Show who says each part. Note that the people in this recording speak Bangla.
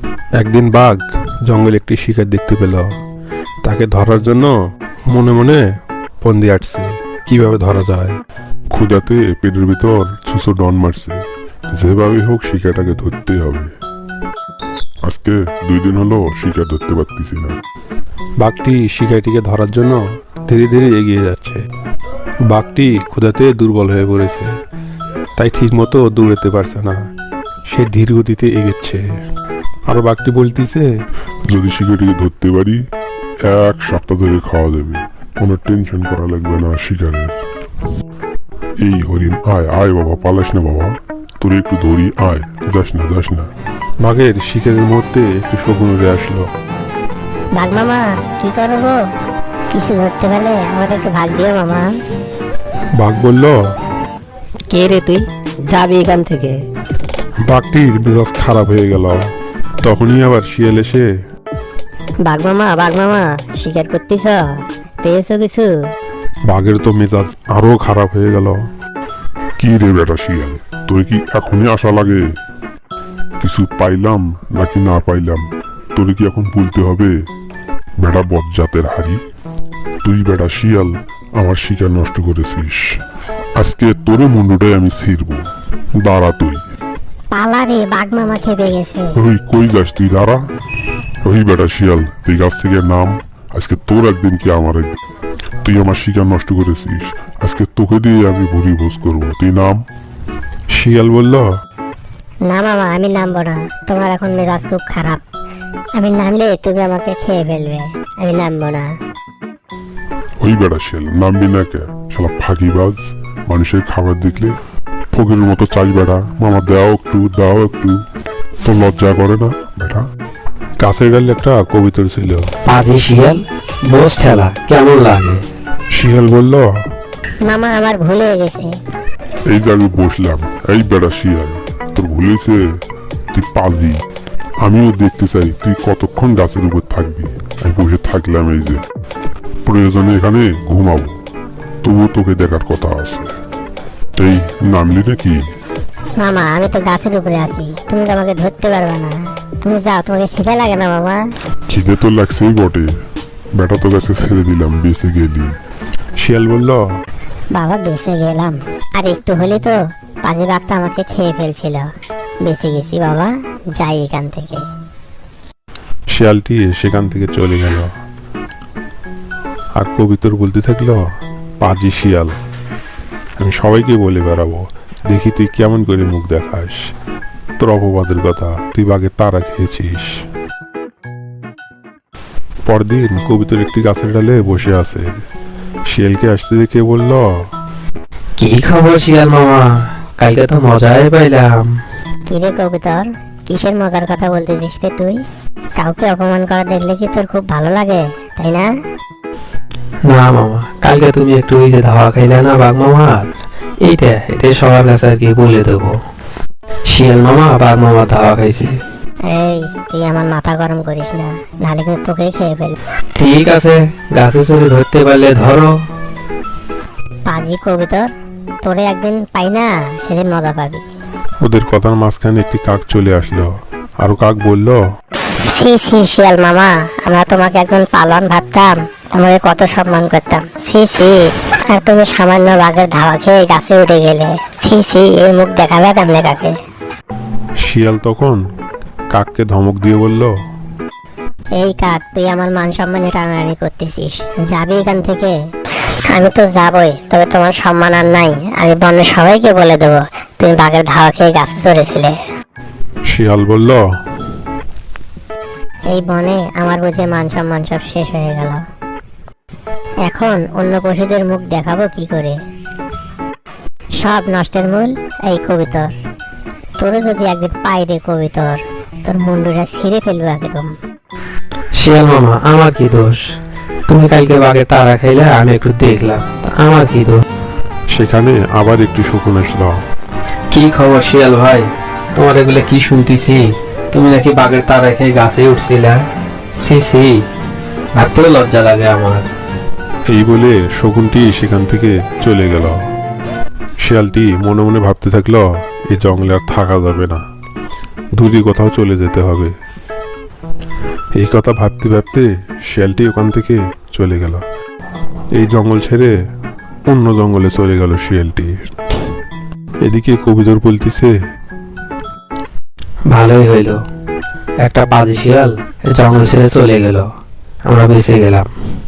Speaker 1: একদিন বাঘ জঙ্গলে একটি শিকার দেখতে পেল। তাকে ধরার জন্য মনে মনে ফন্দি আটছে কিভাবে ধরা যায়।
Speaker 2: ক্ষুধাতে পেটের ভিতর ছুঁচো ডন মারছে, যেভাবে হোক শিকারটাকে ধরতেই হবে। আজকে 2 দিন হলো শিকার ধরতে পারতেছি না।
Speaker 1: বাঘটি শিকারটিকে ধরার জন্য ধীরে ধীরে এগিয়ে যাচ্ছে। বাঘটি ক্ষুধাতে দুর্বল হয়ে পড়েছে, তাই ঠিকমতো দৌড়াতে পারছে না। সে ধীর গতিতে এগোচ্ছে। আর বাঘটি বলতেছে,
Speaker 2: যদি শিকারটিকে ধরতে পারি 1 সপ্তাহ ধরে খাওয়া যাবে, কোনো টেনশন করা লাগবে না শিকারের। এই হরিণ, আয় আয় বাবা, পালাস না বাবা, তোর একটু ধরি, আয়, যাস না।
Speaker 1: বাঘের শিকারের মুহূর্তে একটু শকুন উড়ে আসলো।
Speaker 3: ভাগ মামা, কি করো গো? কিছু ধরতে পারলে আমাকে একটু ভাগ দিও মামা।
Speaker 1: বাঘ বলল,
Speaker 4: কে রে তুই? যাবি এখান থেকে।
Speaker 1: বাঘটির মেজাজ খারাপ হয়ে গেল। তখনই আবার শিয়াল এসে,
Speaker 4: বাঘ মামা শিকার করতেছ? পেয়েছো কিছু?
Speaker 1: বাঘের তো মেজাজ আরো খারাপ হয়ে গেল।
Speaker 2: কি রে বেটা শিয়াল, তোর কি এখনই আশা লাগে? কিছু পাইলাম নাকি না পাইলাম তোর কি এখন বলতে হবে? বেটা বজ্জাতের হাড়ি, তুই বেটা শিয়াল আমার শিকার নষ্ট করেছিস। আজকে তোরে মুন্ডুটাই আমি ছিড়ব। দাঁড়া তুই।
Speaker 3: পালা রে, বাঘ মামা খেপে গেছে।
Speaker 2: ওই কই যাস তুই? দাঁড়া। ওই বেটা শিয়াল, তুই গাছ থেকে নাম। আজকে তোর একদিন কি আমার একদিন। তুই আমার শিকার নষ্ট করেছিস, আজকে তোকে দিয়ে আমি ভুরি ভোজ করবো। তুই নাম।
Speaker 1: শিয়াল বলল,
Speaker 3: না মামা, আমি নামবো না। তোমার এখন মেজাজ খুব খারাপ। আমি নামলে তুমি আমাকে খেয়ে ফেলবে। আমি নামবো না।
Speaker 2: ওই বেটা শিয়াল, নামবি না কে? শালা ফাঁকিবাজ, মানুষের খাবার দেখলে ফকিরের মতো চাই। বেটা মামা দাও একটু, তো লজ্জা করে না বেটা?
Speaker 1: গাছের ডালে একটা কবিতর ছিল।
Speaker 5: পাজি শিয়াল, বস ঠেলা কেমন লাগে?
Speaker 1: শিয়াল বলল,
Speaker 3: মামা, আমার ভুল হয়ে গেছে।
Speaker 2: এই যে আমি বসলাম। এই বেটা শিয়াল, তোর ভুলেছে? তুই পাজি। আমিও দেখতে চাই তুই কতক্ষণ গাছের উপর থাকবি। আমি বসে থাকলাম, এই যে প্রয়োজনে এখানে ঘুমাবো, তবুও তোকে দেখার কথা আছে। এই নামলি নাকি?
Speaker 3: মামা, আমি তো গাছের উপরে আছি, তুমি তো আমাকে ধরতে পারবে না। তুমি যাও, তোমাকে খিদে লাগে না মামা?
Speaker 2: খিদে তো লাগছেই বটে, বেটা তো গাছে ছেড়ে দিলাম, বেঁচে গেলি।
Speaker 1: শিয়াল বলল,
Speaker 3: বাবা বেঁচে গেলাম। আর একটু হলে তো পাজি বাঘটা আমাকে খেয়ে ফেলছিল। বেঁচে গেছি বাবা, যাই এখান থেকে।
Speaker 1: শিয়ালটি সেখান থেকে চলে গেল। আর কবিতর বলতে থাকলো, পাজি শিয়াল, আমি সবাইকে বলে বেড়াবো, দেখি তুই কেমন করে মুখ দেখাস। তোর অপবাদের কথা, তুই বাঘের তারা খেয়েছিস। পরদিন কবিতর একটি গাছের ডালে বসে আছে। শিয়ালকে আসতে দেখে বলল,
Speaker 5: কি খবর শিয়াল মামা? কালকে তো মজাই পাইলাম।
Speaker 3: কিরে কবুতর, কিসের মজার কথা বলতেছিস রে তুই? কাউকে অপমান করা দেখলে কি তোর খুব ভালো লাগে, তাই না?
Speaker 5: না মামা, কালকে তুমি একটু ওই যে ধাওয়া খাইলে না বাঘ মামার, এটা সবার কাছে আর কি বলে দেবো। শিয়াল মামা বাঘ মামা ধাওয়া খাইছে।
Speaker 3: এই, তুই আমার মাথা গরম করিস না, নাহলে কিন্তু তোকেই খেয়ে ফেলবো।
Speaker 5: ঠিক আছে, গাছে চড়ে ধরতে পারলে ধরো।
Speaker 3: পাজি কবুতর, তোরে একদিন পাই না, সেদিন মজা পাবি।
Speaker 1: ওদের কথার মাঝখানে একটি কাক চলে আসলো। আর কাক বলল,
Speaker 3: সি সি শিয়াল মামা, আমরা তোমাকে একজন পালন ভাবতাম, তোমাকে কত সম্মান করতাম। সি সি, আর তুমি সামান্য বাঘের ধাওয়া খেয়ে গাছে উঠে গেলে। সি সি, এই মুখ দেখাবে কেমনে কাকে?
Speaker 1: শিয়াল তখন কাককে ধমক দিয়ে বলল,
Speaker 3: এই কাক, তুই আমার মান সম্মানে টানাটানি করতেছিস, যাবি এখান থেকে? আমি তো যাবই, তবে তোমার সম্মান আর নাই। আমি বনের সবাইকে বলে দেবো তুমি বাঘের ধাওয়া খেয়ে গাছে চড়েছিলে।
Speaker 1: শিয়াল বলল,
Speaker 3: এই বনে আমার বুঝে মান সম্মান সব শেষ হয়ে গেল। এখন অন্য পশুদের মুখ দেখাবো কি করে? সব নষ্টের মূল এই কবিতর। তোরে যদি একদিন পাই রে কবিতর, তোর মুন্ডুটা ছিঁড়ে ফেলবো একদম।
Speaker 5: শিয়াল মামা, আমার কি দোষ? তুমি কালকে বাঘে তারা খাইলে, আমি একটু দেখলাম, তা আমার কি দোষ?
Speaker 1: সেখানে আবার একটু শকুন আসলো।
Speaker 5: কি খবর শিয়াল ভাই? তোমার এগুলো কি শুনতেছি? তুমি নাকি বাঘের তারা খেয়ে গাছে উঠছিলে? সি সি, ভাবতেও লজ্জা লাগে আমার।
Speaker 1: এই বলে শকুনটি সেখান থেকে চলে গেল। শিয়ালটি মনে মনে ভাবতে থাকলো, এই জঙ্গলে আর থাকা যাবে না, দূরে কোথাও চলে যেতে হবে। এই কথা ভাবতে ভাবতে শিয়ালটি ওখান থেকে চলে গেল। এই জঙ্গল ছেড়ে অন্য জঙ্গলে চলে গেল শিয়ালটি। এদিকে কবিতর বলতেছে,
Speaker 5: ভালোই হইলো, একটা পাজি শিয়াল জঙ্গল ছেড়ে চলে গেল, আমরা বেঁচে গেলাম।